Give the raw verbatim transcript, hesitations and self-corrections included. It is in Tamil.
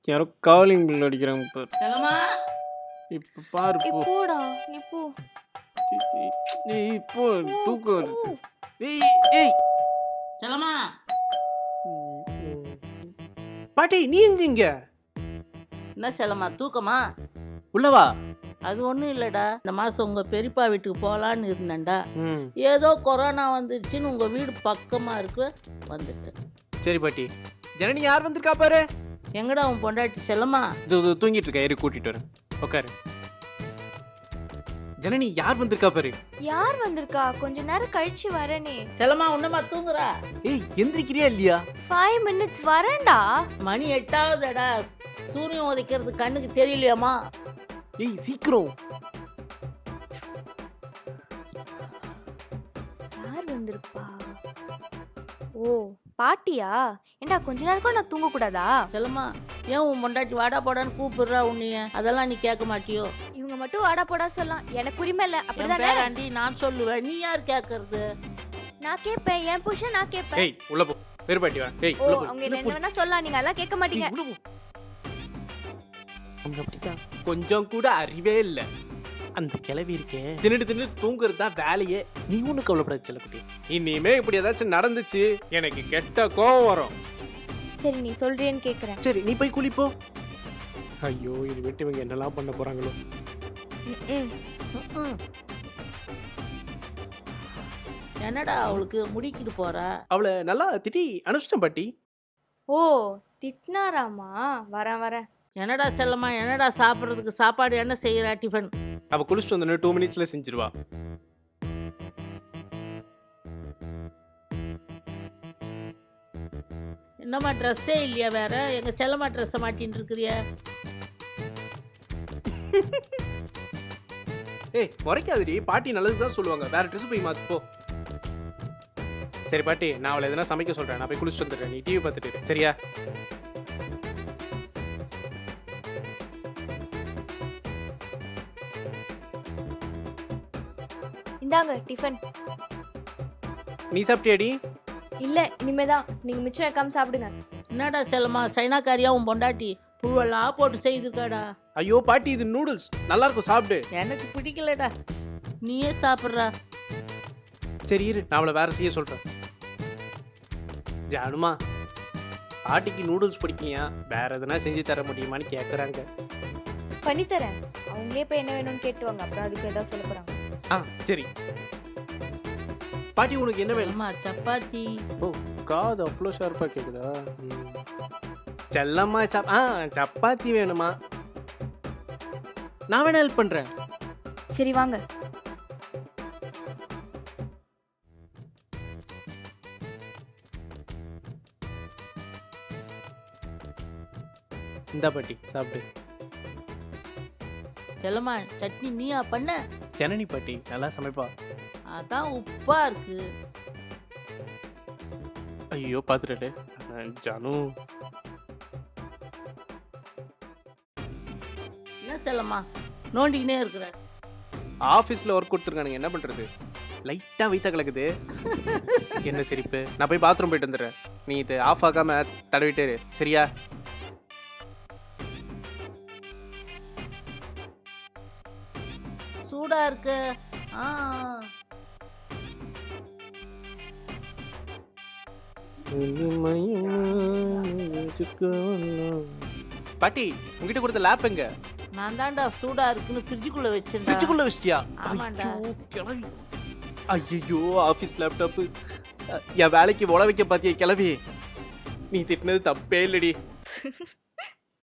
யாரோ காலிங் பில் அடிக்கிறாங்க பாரு. செல்லம்மா இப்போ பாரு போ. போடா நீ போ. ஏய் இப்போ தூக்கம் வருது. ஏய் ஏய் செல்லம்மா பாட்டி நீ எங்க இங்க? என்ன செல்லம்மா தூக்கமா? உள்ளவா? அது ஒன்றும் இல்லைடா, இந்த மாதம் உங்கள் பெரியப்பா வீட்டுக்கு போகலான்னு இருந்தேன்டா. ம் ஏதோ கொரோனா வந்துருச்சுன்னு உங்கள் வீடு பக்கமாக இருக்கு வந்துட்டேன். சரி பாட்டி. ஜனனி யார் வந்திருக்கா பாரு. எங்கடா உன் பொண்டாட்டி செல்லம்மா? இது இது தூங்கிட்டு இருக்கா, ஏறி கூட்டிட்டு வரேன். உட்காரு. ஜனனி யார் வந்திருக்கா பாரு. யார் வந்திருக்கா? கொஞ்ச நேரம் கழிச்சு வரேனே. செல்லம்மா உன்னமா தூங்குறா? ஏய் எந்திரிக்கிறியா இல்லையா? ஃபைவ் மினிட்ஸ் வரேன்டா. மணி எட்டாவதுடா, சூரியன் உதைக்கிறது கண்ணுக்கு தெரியலையாம்மா? ஏய் சீக்கிரம். யார் வந்திருப்பா? ஓ பாட்டியா? ஏண்டா கொஞ்ச நேரம் கூட நான் தூங்க கூடாதா? செல்லம்மா ஏன் உன் பொண்டாட்டி வாடா போடான்னு கூப்பிடுறா உன்னைய? அதெல்லாம் நீ கேட்க மாட்டியோ? இவங்க மட்டும் வாடா போடா சொல்லலாம், எனக்கு உரிமை இல்ல. என் அப்படிதானே? பேராண்டி நான் சொல்லுவேன், நீ யார் கேட்கறது? நான் கேட்பேன், என் புருஷன் நான் கேட்பேன். ஏய் உள்ள போ. வேறு பாட்டி வா. ஏய் ஓ உள்ள போ. அவங்க என்ன என்ன வேணா சொல்லலாம், நீங்க எல்லாம் கேட்க மாட்டீங்க. உள்ள போ. அவங்க அப்படிதான். கொஞ்சம் கூட அறிவே இல்ல. அந்த கிளவி இருக்கே, தின்னுட்டு தின்னுட்டு தூங்குறது தான் வேலையே. நீ ஒண்ணு கவலைப்படாத செல்லக்குட்டி. இனிமே இப்படி ஏதாச்சும் நடந்துச்சு எனக்கு கெட்ட கோவம் வரும். சரி நீ சொல்றேன்னு கேக்குறேன். சரி நீ போய் குளிப்போ. ஐயோ இது விட்டு இவங்க என்னெல்லாம் பண்ண போறாங்களோ. ம், ம். என்னடா அவளுக்கு முடிக்கிட்டு போறா? அவளை நல்லா திட்டி அனுப்பிச்சிட்டேன் பாட்டி. ஓ திட்டினாராமா? வரேன் வரேன். என்னடா செல்லம்மா, என்னடா சாப்பிட்றதுக்கு சாப்பாடு என்ன செய்யறா? டிஃபன் அவ குளிச்சுட்டு வந்து டூ மினிட்ஸ்ல செஞ்சிருவா. என்னம்மா ட்ரெஸ்ஸே இல்லையா வேற? எங்க செல்லம்மா ட்ரெஸ்ஸை மாட்டின்னு இருக்கிறிய? ஏய் முறைக்காதடி, பாட்டி நல்லதுதான் சொல்லுவாங்க. வேற ட்ரெஸ் போய் மாத்து போ. சரி பாட்டி, நான் அவளை எதனா சமைக்க சொல்றேன். நான் போய் குளிச்சுட்டு வந்துடுறேன். நீ டிவி பார்த்துட்டு இரு, சரியா? இந்தாங்க டிஃபன். நீ சாப்பிட்டியாடி? இல்ல இனிமேதான். நீங்க மிச்சம் வைக்காம சாப்பிடுங்க. என்னடா செல்லம்மா சைனாக்காரியா உன் பொண்டாட்டி புழுவெல்லாம் போட்டு செய்திருக்காடா? ஐயோ பாட்டி இது நூடுல்ஸ் நல்லா இருக்கும், சாப்பிடு. எனக்கு பிடிக்கலடா, நீயே சாப்பிட்றா. சரி இரு, நான் அவளை வேற செய்ய சொல்றேன். ஜானுமா, பாட்டிக்கு நூடுல்ஸ் பிடிக்கியா? வேற எதனா செஞ்சு தர முடியுமான்னு கேட்குறாங்க. பண்ணித்தரேன். அவங்களே போய் என்ன வேணும்னு கேட்டுவாங்க, அப்புறம் அதுக்கு ஏதாவது சொல்ல போறாங்க. ஆ சரி. பாட்டி உனக்கு என்ன வேணும்? அம்மா சப்பாத்தி. ஓ காது அவ்வளோ ஷார்ப்பாக கேட்குதா? செல்லம்மா சப் ஆ சப்பாத்தி வேணுமா? நான் வேணா ஹெல்ப் பண்ணுறேன். சரி வாங்க. இந்தா பாட்டி சாப்பிடு. செல்லம்மா சட்னி நீயா பண்ண? ஜனனி பாட்டி நல்லா சமைப்பா. அதான் உப்பா இருக்கு. ஐயோ பார்த்துட்டு ஜானு. என்ன செல்லம்மா நோண்டிக்கினே இருக்கிற? ஆஃபீஸில் ஒர்க் கொடுத்துருக்கானுங்க, என்ன பண்ணுறது? லைட்டாக வைத்தா கலக்குது. என்ன சிரிப்பு? நான் போய் பாத்ரூம் போயிட்டு வந்துடுறேன். நீ இது ஆஃப் ஆகாம தடவிட்டே இரு, சரியா? சூடா இருக்கு. ஆ பாட்டி உங்ககிட்ட கொடுத்த லேப் எங்க? நான் தான்டா சூடா இருக்குன்னு ஃப்ரிட்ஜுக்குள்ள வச்சேன். ஃப்ரிட்ஜுக்குள்ள வச்சிட்டியா? ஆமாண்டா. கிளவி. ஐயோ ஆஃபீஸ் லேப்டாப்பு. என் வேலைக்கு உழ வைக்க பாத்தியா கிளவி? நீ திட்டினது தப்பே இல்லடி.